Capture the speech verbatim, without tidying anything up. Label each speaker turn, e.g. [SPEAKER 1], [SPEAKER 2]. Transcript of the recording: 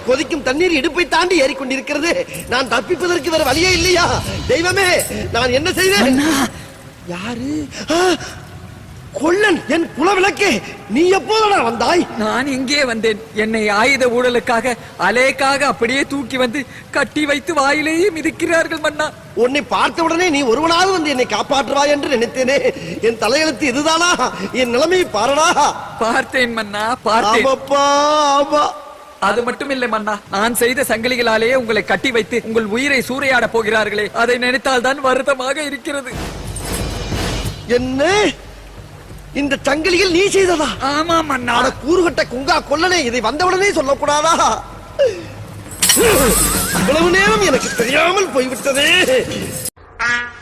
[SPEAKER 1] கொதிக்கும் தண்ணீர் இடுப்பை தாண்டி ஏறிக்கொண்டிருக்கிறது. நான் தப்பிப்பதற்கு வேற வழியே இல்லையா? தெய்வமே, நான் என்ன செய்வேன்? யாரு? கொல்லன், என் குலவிளக்கே, நீ எப்போதடா வந்தாய்?
[SPEAKER 2] நான் இங்கே வந்தேன். என்னை ஆயுத ஊழலுக்காக அலேக்காக அப்படியே தூக்கி வந்து கட்டி வைத்து வாயிலேயே மிதிக்கிறார்கள் மன்னா.
[SPEAKER 1] உன்னை பார்த்த உடனே நீ ஒருவனாவது வந்து என்னை காப்பாற்றுவாய் என்று நினைத்தேனே. என் தலையெழுத்து இதுதானா? என் நிலைமை பாரடா.
[SPEAKER 2] பார்த்தேன் மன்னா, பார்த்தேன். அது மட்டும் இல்லை மன்னா, நான் செய்த சங்கிலிகளாலேயே உங்களை கட்டி வைத்து உங்கள் உயிரை சூறையாட போகிறார்களே, அதை நினைத்தால் தான் வருத்தமாக இருக்கிறது.
[SPEAKER 1] என்ன? இந்த சங்கிலிகள் நீ செய்ததா?
[SPEAKER 2] ஆமா மன்னா.
[SPEAKER 1] கூறுகட்ட குங்கா கொல்லனே, இதை வந்தவுடனே சொல்லக்கூடாதா? இவ்வளவு நேரம் எனக்கு தெரியாமல் போய்விட்டதே.